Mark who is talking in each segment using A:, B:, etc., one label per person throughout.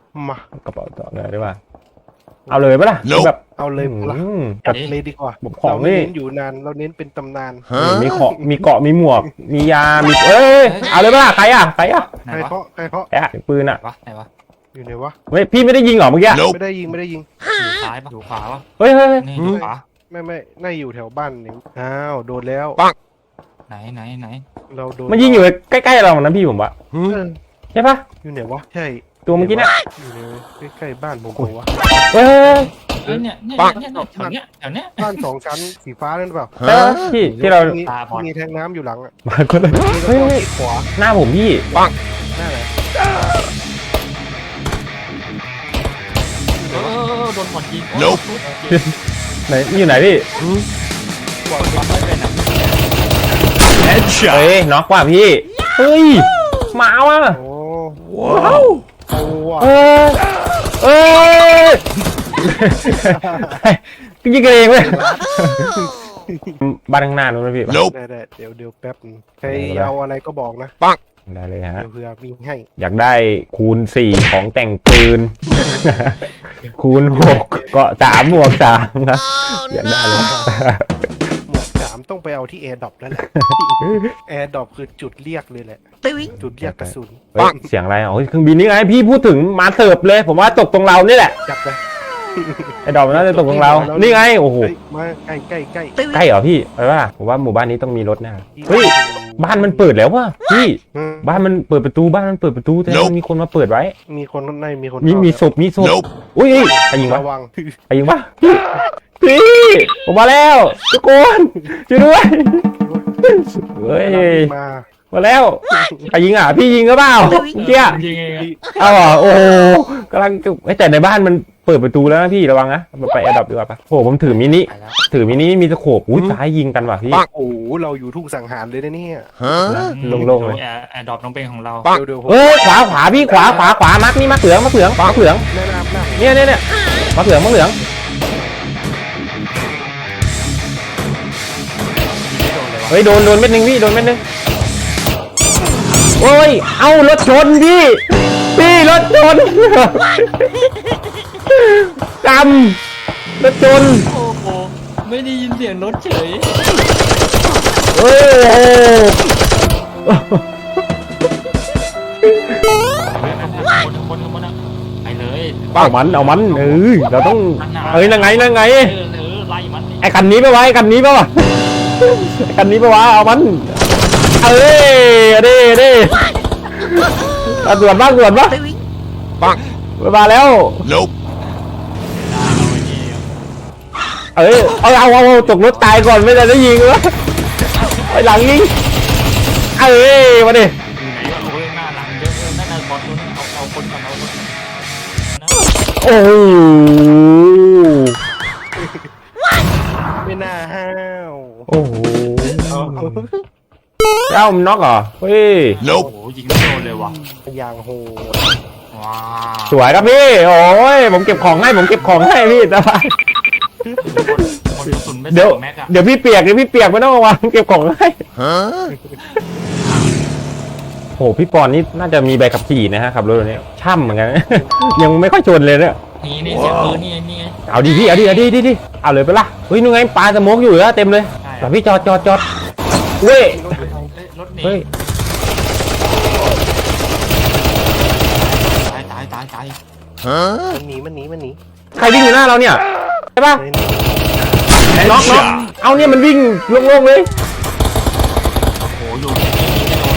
A: มาก
B: ระเป๋าต่อเลยได้ป่ะเอาเลยปะล่ะแบบ
A: เอาเลยละ
B: จัด
A: เลยดีกว่า
B: ผมของ
A: เราไม่
B: นี่
A: เน้นอยู่นานเราเน้นเป็นตำนาน
B: มีของมีเกาะมีหมวก มียามีเอ้ยเอาเลยปะล่ะใครอ่ะ
A: ใคร
C: ไหน
A: เพาะใครเพาะ
B: แอะปืนอ่ะ
C: ไหนวะ
A: อยู่ไหนวะ
B: เฮ้ยพี่ไม่ได้ยิงหรอเมื่อกี้
A: ไม่ได้ยิงไม่ได้ยิง
C: อยู่ซ้ายปะอยู่ขวาปะ
B: เฮ้ยเฮ้ย
C: นี่อยู่ขวา
A: ไม่น่าอยู่แถวบ้านนี่อ้าวโดนแล้ว
C: ไหน
A: เราโดน
B: มันยิงอยู่ใกล้ๆเรานะพี่ผมว่า
A: เออ
B: ใช่ปะ
A: อยู่ไหนวะใช่
B: ตัวเมื่อกี้เนี่ย
A: อยู่ในใกล้ๆบ้านผมบอกว่า
B: เฮ้ย
C: เนี่ยแถวเนี้ย
A: บ้าน2 ชั้นสีฟ้านั่นหรือเปล่า
B: ใช่ปะพี่ที่เรา
A: มี
C: ตาบอด
A: มีแทงน้ำอยู่หลังอ่ะ
B: มาคนละ
A: มี
B: เฮ้ย
A: แล้วก็
B: เฮ้ย
A: ที่ขวา
B: หน้าผมพี่
A: หน้าไหน
C: โดนบอดยิง
B: ไหนอยู่ไหนพี่
C: บอดไม่เป็นอ่ะ
B: เฮ้ยน็อกว่ะพี่เฮ้ยมาว่ะ
A: โอ้
B: ว้าว
A: เอาว่ะ
B: เออยิงกันเองเลยบ้านข้างหน้านู้นนะพี่
A: ได้เดี๋ยวแป๊บนึงใครเอาอะไรก็บอกนะ
B: ได้เลยฮะ
A: เดี๋ยวเผื่อมีให้
B: อยากได้คูณ4ของแต่งปืน คูณ6เกาะ3 หมวก 3ครับอยากได้เลย
A: หมวก3ต้องไปเอาที่แอร์ดรอปแล้วแหละแอร์ดรอปคือจุดเรียกเลยแหละจุดเรียกกระสุน
B: เฮ้ยเสียงอะไรอ๋อเครื่องบินนี่ไงพี่พูดถึงมาเสิร์ฟเลย ผมว่าตกตรงเรานี่แหละ
A: จับเลย
B: ไอ้ดอกมันน่าจะตกตรงเรา นี่ไงโอ้โห
A: เฮ้ยมาใกล้
B: ใกล้เหรอพี่ไปว่าผมว่าหมู่บ้านนี้ต้องมีรถแน่เฮ้ยบ้านมันเปิดแล้วว่ะพี่ บ้านมันเปิดประตูบ้านมันเปิดประตูแต่มันมีคนมาเปิดไว้
A: มีคนข้างในมีคน
B: มีศพอุ้ยใครยิงวะ
A: ระวัง
B: ใครยิงวะพี่ผมมาแล้วทุกคนช่วยด้วยเฮ้ย
A: มา
B: มาแล้วใครยิงอ่ะพี่ยิงก็เปล่าเมื่อกี้
C: ยิงเอง
B: เอาเหรอโอ้โหกำลังแต่ในบ้านมันเปิดประตูแล้วนะพี่ระวังนะไปแอร์ดรอปดีกว่าปะโอ้โหผมถือมินิมีสโคปอุ้ยซ้ายยิงกันว่ะพี่
A: โอ้โหเราอยู่ทุ่งสังหารเลยนะเนี่ย
B: โล่งๆเลย
C: แอร์ดรอปน้องเป็นของเรา
A: เดี๋ยว
B: เอ้ยขวาพี่ขวามักนี่มักเหลือง
A: แนะนำ
B: เนี่ยมักเหลืองเฮ้ยโดนเม็ดนึงพี่โดนเม็ดนึงโอ้ยเอารถชนพี่รถชนกำรถชน
C: โอ้โหไม่ได้ยินเสียงรถเฉย
B: โอ้โห
C: คนไปเลย
B: เอามันเราต้องนั่งไง
C: ไล่มัน
B: ไอ้คันนี้ปะวะไอ้คันนี้ปะวะเอามันดิด่วนปะมาแล้วเอาตกรถตายก่อนไม่ได้ยิงวะไปหลังยิงมาดิ
C: อยู่ไหนวะโอ้ยหน้าหลังเยอะนั่นน่ะบอลตัวนี้เอาคนก่อนเอาคน
B: โอ้โห
A: ไม่น่าห้าว
B: โอ้โหเอ้ามันน็อกเหรอเฮ้ย
C: โอ้โหยิงไม่โดนเลยว่ะ
A: อย่างโหด
C: ว้า
B: สวยครับพี่โอ้ยผมเก็บของให้พี่สบาย
C: คนกระสุนไม่
B: เดี๋
C: ใส่
B: ยว
C: แม็กอะ
B: เดี๋ยวพี่เปียกไม่ต้องระวังเก็บของให้โหพี่ปอนนี่น่าจะมีใบขับขี่นะฮะขับรถตัวนี้ช่ำเหมือนกัน ยังไม่ค่อยชนเลยเนี่ย
C: นี่เสียงปืนนี่ไง
B: เอาดิพี่เอาดิเอาเลยไปละเฮ้ยนู่นไงปลาสโมกอยู่แล้วเต็มเลยแต่พี่จอดเว้ย
C: รถหนี
B: เฮ้ย
C: ตาย
A: มันหนี
B: ใครวิ่งอยู่หน้าเราเนี่ยใช่ปะน็อกเอาเนี่ยมันวิ่งโล่งๆเลย
C: โอ้โหอยู่ที่นี่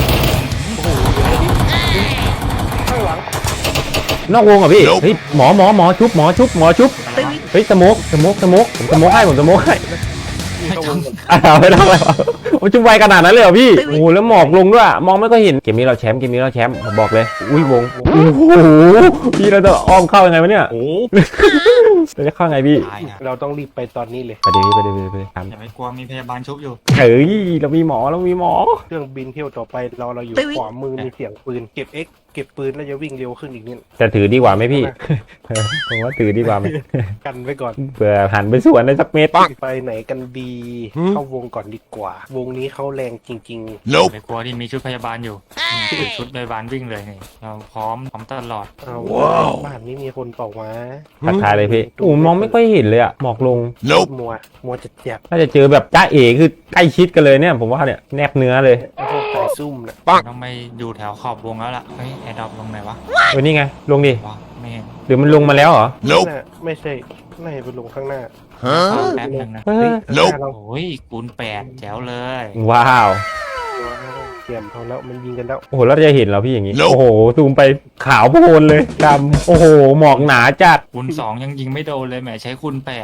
C: ไม่โดน
A: ข้างหลัง
B: นอกวงอ่ะพี่เฮ้ยหมอชุบเฮ้ยสโมกผมสโมกให้
C: ไม่ต้อง
B: ไม่ต้องอะไรวะผมจุ่มไวขนาดนั้นเลยเหรอพี่โอ้โหแล้วหมอกลงด้วยมองไม่ก็เห็นเกมนี้เราแชมป์ผมบอกเลยอุ้ยวงโอ้โหพี่เราจะอ้อมเข้ายังไงวะเนี่ย
C: โอ้
B: เราจะเข้าไงพี่
C: ตายนะ
A: เราต้องรีบไปตอนนี้เลย
B: ไปท
C: อย่าไปกลัวมีพยาบาลชุบอยู่
B: ำเฮ้ยเรามีหมอ
A: เครื่องบินเที่ยวต่อไปเราอยู่ขวามือมีเสียงปืนเก็บปืนแล้วจะวิ่งเร็วขึ้นอีกนิด
B: จะถือดีกว่าไหมพี่ ผมว่าถือดีกว่าไหม
A: กันไว้ก่อน
B: เผื่อหันไปสวนได้สักเมตร
A: ไปไหนกันดีเข้าวงก่อนดีกว่า ววงนี้เขาแรงจริง
C: ไม่กลัวที่มีชุดพยาบาลอยู่นี่ชุดพยาบาลวิ่งเลยนี่เราพร้อมตลอด
A: ๆเอาบ้านนี้มีคนเปล่าวะ
B: ทักทายเลยพี่โอ้มองไม่ค่อยเห็นเลยอะหมอกลง
A: มัวจะเจ็บ
B: น่าจะเจอแบบจ้าเอ๋คือใกล้ชิดกันเลยเนี่ยผมว่าเนี่ยแนบเนื้อเลย
A: ไอ้พวกสายซุ่มนะ
C: ต้องไปอยู่แถวขอบวงแล้วล่ะเฮ้ยแอร์ดรอปลงไหนวะ
B: นี่ไงลงดิ
C: วะไม่เห็น
B: หรือมันลงมาแล้วเหรอ
A: น่ะไม่ใช่น่าจะไปลงข้างหน้า
C: แป๊บนึงนะ
B: เฮ้ย
A: ข้างหน้าเรา
C: โอ้ยคูณ8แจ๋วเลย
B: ว้าว
A: เตรียมเขาแล้วมันยิงกันแล้ว
B: โอ้โหเราจะเห็นเหราพี่อย่างนี้โอ้โหซูมไปขาวโพลนเลยดำโอ้โหหมอกหนาจัด
C: คูณ2ยังยิงไม่โดนเลยแหมใช้คูณ8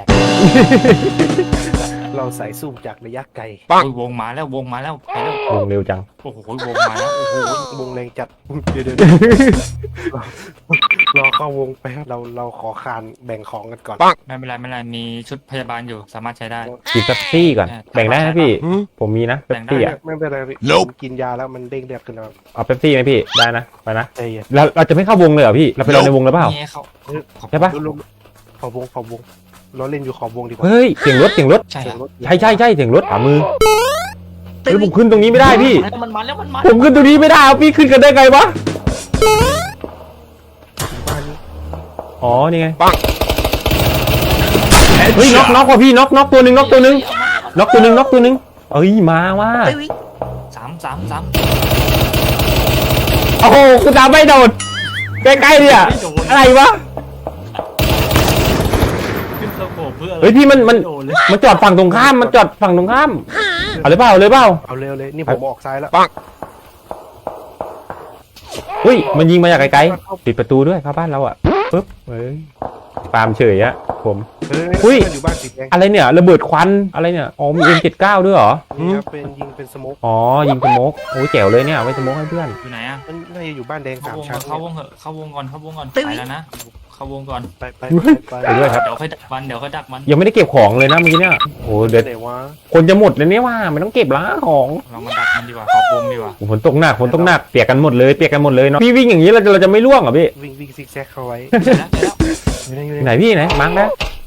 A: เราสายซุ่มจากระยะไกล
C: โอ้ยวงมาแล้ววงมาแล้วไปแล้ว
B: ลงเร็วจัง
C: โอ้โหวงมาแล้วโอ้โห
A: วงแรงจัดเดี๋ยวรอเข้าวงไปเราขอคานแบ่งของกันก่อน
C: ไม่เป็นไรไม่เป็นไรมีชุดพยาบาลอยู่สามารถใช้ได้
B: กินเป๊ปซี่ก่อนแบ่งได้นะพี่ผมมีนะเป๊ปซี่อะ
A: ไม่เป็นไรพี่ผมกินยาแล้วมันเด้งเดือดขึ้นแล้ว
B: เอาเป๊ปซี่ไหมพี่ได้นะไปนะ
A: ใจเย็น
B: เราจะไม่เข้าวงเลยเหรอพี่เราไปรอในวงแล้วเปล่า
C: นี่เขา
B: ใช่ปะ
A: ขอบวงเราเล่นอยู่ขอบวงดีกว่า
B: เฮ้ยเสียงรถ
C: ใช่
A: เสียง
C: เหรอ
A: รถ
B: ใช่เสียงรถขวามือเฮ้ยผมขึ้นตรงนี้ไม่ได้พี่
C: มันมาแล้วมันมา
B: ผมขึ้นตรงนี้ไม่ได้เอาพี่ขึ้นกันได้ไงวะ
A: บ้านนี้
B: อ๋อนี่ไงเฮ้ยน็อกว่ะพี่น็อกตัวหนึ่งน็อกตัวหนึ่งเอ้ยมาว่า
C: สาม
B: โอ้โหกูตามไม่โดนใกล้ๆเนี่ยอะไรวะ
C: ขึ้นสโคปเพื่อ
B: เฮ้ยพี่มัน
C: โดนเลย
B: จอดฝั่งตรงข้ามมันจอดฝั่งตรงข้ามเอาเลยเปล่าเอาเลยเปล่า
A: เอาเร็วเลยนี่ผมออกซ้ายแล้ว
B: เฮ้ยมันยิงมาจากไกลๆปิดประตูด้วยเข้าบ้านเราอ่ะปึ๊บเฮ้ยปาล์มเฉยอะผม อุ้ย
A: อยู่บ้านสีแดง
B: อะไรเนี่ยระเบิดควันอะไรเนี่ยอ๋อมี M79 ด้วยเหรอ
A: นี่ครับเป็นยิงเป็นสโมก
B: อ๋อยิงสโมกโอ้ยแจ๋วเลยเนี่ยเอาไว้สโมกให้เพื่อน
C: อยู่ไหนอะ
A: มันน่าจะอยู่บ้านแดง
C: เข้า
A: สาม
C: วง
A: ชั้น
C: เข้าวงเหอะเข้าวงก่อนไปแล้วนะเข้าวงก่อน
A: ไป
B: ไปด้วยครับ
C: เดี๋ยวค่อยดักมัน
B: ยังไม่ได้เก็บของเลยนะเมื่อกี้เนี่ยโอ้เด็ด
A: ไหนวะ
B: คนจะหมดเลยเนี่ยว่ามันต้องเก็บล้างของ
C: เรามาดักมันดีกว่าขอบวงดีกว่า
B: โอ้ฝนตกหนักเปียกกันหมดเลยเนาะพี่วิ่งอย่างนี้เราจะไม่ร่วงเหรอพี่
A: วิ่งซิกแซกเข้าไว้
C: เจอแล้ว
A: อยู่ไหน
B: ไหนพี่ไหนมาร์กนะ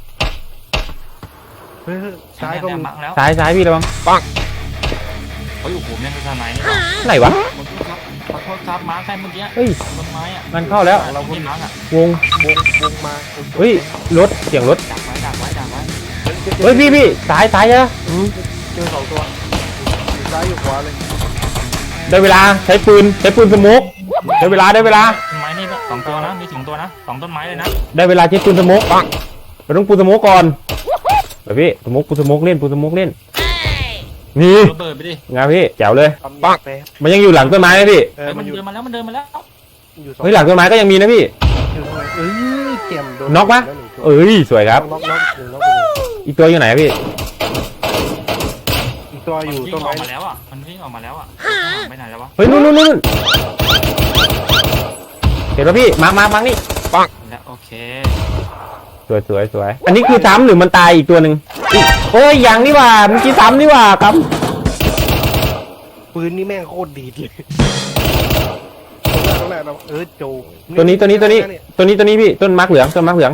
A: เฮ้ยซ้ายก็มี
C: มักแล้ว
B: ซ้ายพี่ระวัง
C: เฮ้ยโอ้โหแม่งคือสไนนี่
B: ไหนวะ
C: ขอโทษครับมาร์คใครเมื่อกี้
B: เฮ้ย
C: ต้นไม้อะ
B: มันเข้าแล้ว
C: เราไม่มาร์คอะ
B: วง
A: วงมา
B: เฮ้ยรถเสียงรถ
C: ดักไว้
B: เฮ้ยพี่ซ้ายใช่ไหม
A: เจอสองตัวอยู่ซ้ายอยู่ขวาเลย
B: ได้เวลาใช้ปืนสโมกได้เวลา
C: ต้นไม้นี่สองตัวนะมีถึงตัวนะสองต้นไม้เลยนะ
B: ได้เวลาใช้ปืนสโมกเราต้องปูสโมกก่อนไปพี่ปูสโมกเล่นนี่
C: ระเบิดไปดิ
B: ไงพี่แจ๋วเลย
A: ปังแป๊บ
B: มันยังอยู่หลังต้นไม้นะพี่
A: เออ
C: มัน
A: อยู่
C: เดินมาแล้ว
A: อยู่สอง
B: เฮ้ยหลังต้นไม้ก็ยังมีนะพี่
A: อยู่ตรงไหนเจ็มโดน
B: น็อกปะ
A: แล้วหนึ่งตัว
B: เอ้ยสวยครับ
A: น็อกหนึ่งน็อกไปหนึ่ง
B: อีกตัวอยู่ไหนพี่
A: อีกตัวอยู่
C: วิ่
A: ต้น
C: งอ
A: ไม้
C: อกมาแล้วอ่ะมันวิ่งออกมาแล้วอ่ะไปไหนแล้ววะ
B: เฮ้ยนู่นเห็นป่ะพี่มานี่
C: แล้วโอเค
B: สวยอันนี้คือซ้ำหรือมันตายอีกตัวหนึ่งโอ้ยยังนี่หว่าเมื่อกี้ซ้ำนี่หว่าครับ
A: ปืนนี่แม่งโคตรดีเลยตรงนั้นเราโจ
B: ตัวนี้พี่ต้นมาร์กเหลือง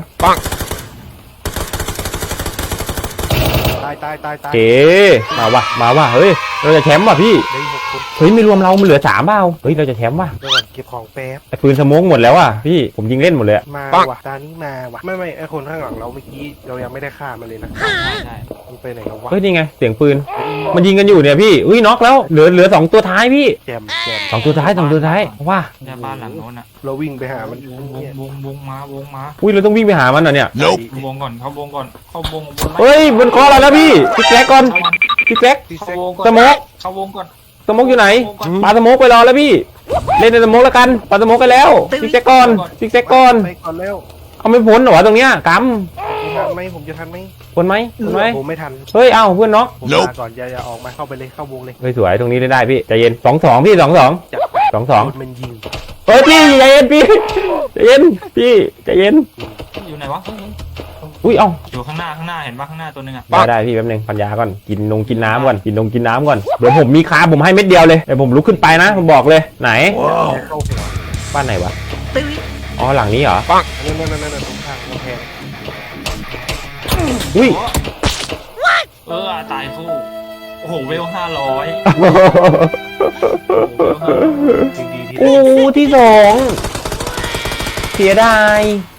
A: ตาย
B: เก๋มาว่ะเฮ้ยเราจะแชมป์ว่ะพี่
A: ได้6 คน
B: เฮ้ยไม่รวมเรามันเหลือ3เปล่าเฮ้ยเราจะแชมป์ว่ะ
A: เดี๋ยวก่อนเก็บของแป๊บ
B: ไอ้ปืนสโมกหมดแล้วอ่ะพี่ผมยิงเล่นหมดเลย
A: มาว่ะตานี้มาว่ะไม่ไอคนข้างหลังเราเมื่อกี้เรายังไม่ได้ฆ่ามันเลยนะ
C: ใช่
A: มันไปไหนแล้ววะ
B: เฮ้ยนี่ไงเสียงปืนมันยิงกันอยู่เนี่ยพี่อุ้ยน็อกแล้วเหลือ2ตัวท้ายพี่
A: แจม
B: 2ตัวท้ายว่า
C: เนี่ยบ้านหลังโน้นอ่ะ
A: เราวิ่งไปหามัน
C: วงมา
B: อุ้ยเราต้องวิ่งไปหามันเหรอเนี่ย
C: วงก่อนเข้าวงบน
B: เฮ้ยบนคอเราแล้วพี่พี่แกก่อนพี่แก
A: ติ
C: เข้า
A: เซ็ก
C: วงก่อน
B: สโมก
C: เข้าวงก่อน
B: สโมกอยู่ไหนปาสโมกไปรอแล้วพี่เล่นในสโมกแล้วกันปาสโมกไปแล้วพี่แกก่อน
A: ไปก่อนแล้ว
B: เอาไม่พ้นเหรอวะตรงเนี้ยก
A: ทันไหมผมจะทันไหม
B: ำพ้นไหม
A: ผมไม่ทัน
B: เฮ้ยเอ้าเพื่อนน็อก
A: ผมมาก่อนอย่าออกมาเข้าไปเลยเข้าวงเลย
B: เฮ้ยสวยตรงนี้ได้พี่ใจเย็น2-2พี่2-2
A: จับ
B: 2-2
A: มันยิง
B: เฮ้ยพี่ใจเย็นพี่ใจเย็นพี่ใจเย็น
C: อยู่ไหนวะ
B: อุ้ยเอ้า
C: อยู่ข้างหน้าเห็นปะข้างหน้าตัวนึงอ่ะ
B: ได้พี่แป๊บนึงปัญญาก่อนกินน้ำก่อนกินน้ำก่อนเดี๋ยวผมมีคาผมให้เม็ดเดียวเลยเดี๋ยวผมลุกขึ้นไปนะผมบอกเลยไหน
A: เข้าหัว
B: บ้านไหนวะอ๋อหลังนี้เหรอ
A: นั่นตรงข้างกำแพง
B: อุ้ย
C: ตายคู่
D: โอ้โหเวล500
A: จริงดีที่
B: โอ้ที่สองเสียดาย